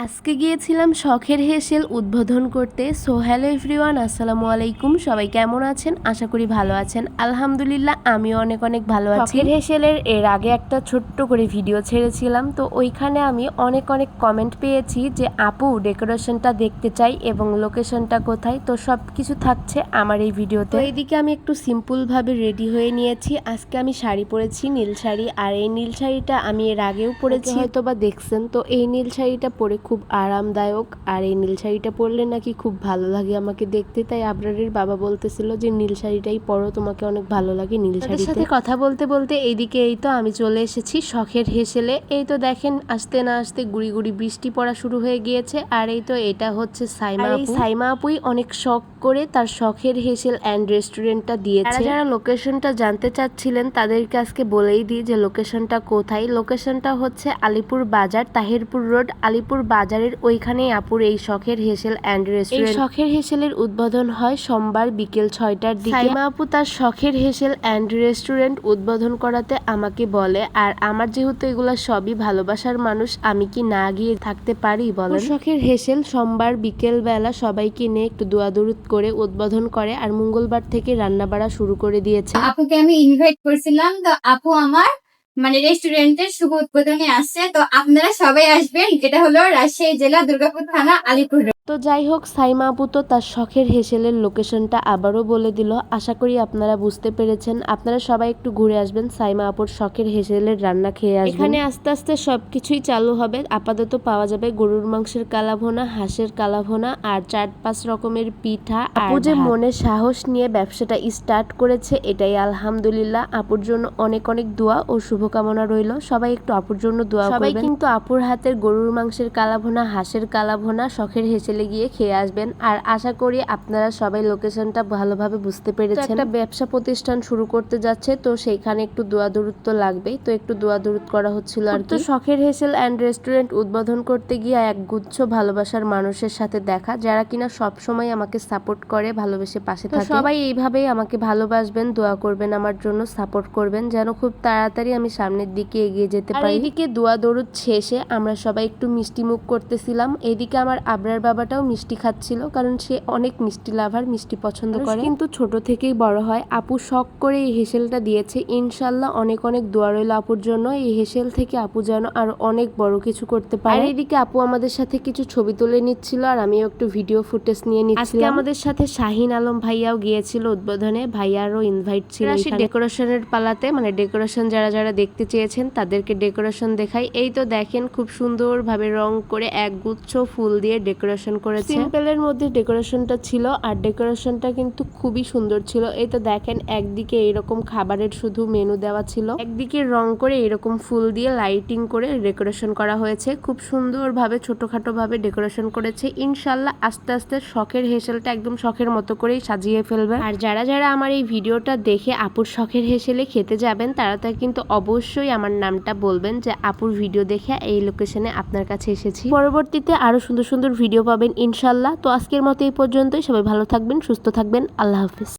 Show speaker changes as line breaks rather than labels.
আজকে গিয়েছিলাম শখের হেসেল উদ্বোধন করতে। সো হ্যালো এভরিওয়ান, আসসালামু আলাইকুম। সবাই কেমন আছেন? আশা করি ভালো আছেন। আলহামদুলিল্লাহ আমিও অনেক অনেক ভালো আছি। শখের হেসেলের এর আগে একটা ছোট্ট করে ভিডিও ছেড়েছিলাম, তো ওইখানে আমি অনেক কমেন্ট পেয়েছি যে আপু ডেকোরেশনটা দেখতে চাই এবং লোকেশনটা কোথায়। তো সব কিছু থাকছে আমার এই ভিডিওতে। এইদিকে আমি একটু সিম্পলভাবে রেডি হয়ে নিয়েছি। আজকে আমি শাড়ি পরেছি, নীল শাড়ি। আর এই নীল শাড়িটা আমি এর আগেও পরেছি, হয়তো বা দেখছেন। তো এই নীল শাড়িটা পরে খুব আরামদায়ক, আর এই নীল শাড়িটা পরলে নাকি খুব ভালো লাগে আমাকে দেখতে। তাই আবরারের বাবা বলতেছিল যে নীল শাড়িটাই পরো, তোমাকে অনেক ভালো লাগে নীল শাড়ির সাথে কথা বলতে বলতে এইদিকে এই তো আমি চলে এসেছি শখের হেসেলে। এই তো দেখেন আসতে না আসতে গুড়ি গুড়ি বৃষ্টি পড়া শুরু হয়ে গিয়েছে। আর এই তো এটা হচ্ছে সাইমা আপু। সাইমা আপুই অনেক শখ করে তার শখের হেসেল অ্যান্ড রেস্টুরেন্টটা দিয়েছে। যারা লোকেশনটা জানতে চাচ্ছিলেন তাদেরকে আজকে বলেই দিই যে লোকেশনটা কোথায়। লোকেশনটা হচ্ছে আলিপুর বাজার, তাহিরপুর রোড, আলিপুর বাজারের ওইখানেই আপুর এই শখের হেসেল অ্যান্ড রেস্টুরেন্ট। এই শখের হেসেলের উদ্বোধন হয় সোমবার বিকেল 6টার দিকে। সাইমা আপু তার শখের হেসেল অ্যান্ড রেস্টুরেন্ট উদ্বোধন করাতে আমাকে বলে, আর আমার যেহেতু এগুলা সবই ভালোবাসার মানুষ, আমি কি না গিয়ে থাকতে পারি বলেন। শখের হেসেল সোমবার বিকেল বেলা সবাইকে নিয়ে একটু দোয়া দরুদ করে উদ্বোধন করে, আর মঙ্গলবার থেকে রান্না বাড়া শুরু করে দিয়েছে।
আপুকে আমি ইনভাইট করছিলাম, তো আপু আমার রেস্টুরেন্টের শুভ উদ্বোধনে আসছে। তো আপনারা সবাই আসবেন, যেটা হলো রাজশাহী জেলা দুর্গাপুর থানা আলিপুর।
তো যাই হোক, সাইমা আপু তো তার শখের হেসেলের লোকেশনটা আবারও বলে দিল। আশা করি আপনারা বুঝতে পেরেছেন। আপনারা সবাই একটু ঘুরে আসবেন, সাইমা আপুর শখের হেসেলের রান্না খেয়ে আসবেন। এখানে আস্তে আস্তে সবকিছুই চালু হবে। আপাতত পাওয়া যাবে গরুর মাংসের কালাভুনা, হাঁসের কালাভুনা, আর 4-5 রকমের পিঠা। আপু যে মনে সাহস নিয়ে ব্যবসাটা স্টার্ট করেছে, এটাই আলহামদুলিল্লাহ। আপুর জন্য অনেক দোয়া ও শুভকামনা রইল। সবাই একটু আপুর জন্য দোয়া করবেন। সবাই কিন্তু আপুর হাতের গরুর মাংসের কালাভুনা, হাঁসের কালাভুনা শখের হেসেলে গিয়ে খেয়ে আসবেন। আর আশা করি আপনারা সবাই লোকেশনটা ভালোভাবে বুঝতে পেরেছেন। একটা ব্যবসা প্রতিষ্ঠান শুরু করতে যাচ্ছে, তো সেইখানে একটু দোয়া দরুদ তো লাগবেই। তো একটু দোয়া দরুদ করা হচ্ছিল আর কি। শখের হেসেল অ্যান্ড রেস্টুরেন্ট উদ্বোধন করতে গিয়ে একগুচ্ছ ভালোবাসার মানুষের সাথে দেখা, যারা কিনা সব সময় আমাকে সাপোর্ট করে, ভালোবেসে পাশে থাকে। সবাই এইভাবেই আমাকে ভালোবাসবেন, দোয়া করবেন আমার জন্য, সাপোর্ট করবেন যেন খুব তাড়াতাড়ি আমি সামনের দিকে এগিয়ে যেতে পারি। এইদিকে দোয়া দরুদ শেষে আমরা সবাই একটু মিষ্টি মুখ করতেছিলাম। এইদিকে আমার আবরার বাবাটাও মিষ্টি খাচ্ছিল, কারণ সে অনেক মিষ্টি লাভার, মিষ্টি পছন্দ করে, কিন্তু ছোট থেকেই বড় হয়। আপু শখ করে এই হেসেলটা দিয়েছে। ইনশাল্লাহ অনেক দোয়া রইল আপুর জন্য। এই হেসেল থেকে আপু যেন আর অনেক বড় কিছু করতে পারে। আর এইদিকে আপু আমাদের সাথে কিছু ছবি তুলে নিচ্ছিল, আর আমিও একটু ভিডিও ফুটেজ নিয়ে নিচ্ছিলাম। আজকে আমাদের সাথে শাহিন আলম ভাইয়াও গিয়েছিল উদ্বোধনে, ভাইয়ারও ইনভাইট ছিল। ডেকোরেশনের পালাতে, ডেকোরেশন যারা দেখতে চেয়েছেন তাদেরকে ডেকোরেশন দেখাই। এই তো দেখেন খুব সুন্দরভাবে রং করে একগুচ্ছ ফুল দিয়ে ডেকোরেশন করেছে। সিম্পলের মধ্যে ডেকোরেশনটা ছিল, আর ডেকোরেশনটা কিন্তু খুবই সুন্দর ছিল। এই তো দেখেন একদিকে এরকম খাবারের শুধু মেনু দেওয়া ছিল, একদিকে রং করে এরকম ফুল দিয়ে লাইটিং করে ডেকোরেশন করা হয়েছে। খুব সুন্দরভাবে ছোটখাটো ভাবে ডেকোরেশন করেছে। ইনশাল্লাহ আস্তে আস্তে শখের হেসেলটা একদম শখের মতো করেই সাজিয়ে ফেলবে। আর যারা আমার এই ভিডিওটা দেখে আপুর শখের হেসেলে খেতে যাবেন, তারা কিন্তু অবশ্যই আমার নামটা বলবেন যে আপুর ভিডিও দেখে এই লোকেশনে আপনার কাছে এসেছি। পরবর্তীতে আরো সুন্দর ভিডিও পাবেন ইনশাল্লাহ। তো আজকের মতো এই পর্যন্তই। সবাই ভালো থাকবেন, সুস্থ থাকবেন। আল্লাহ হাফিজ।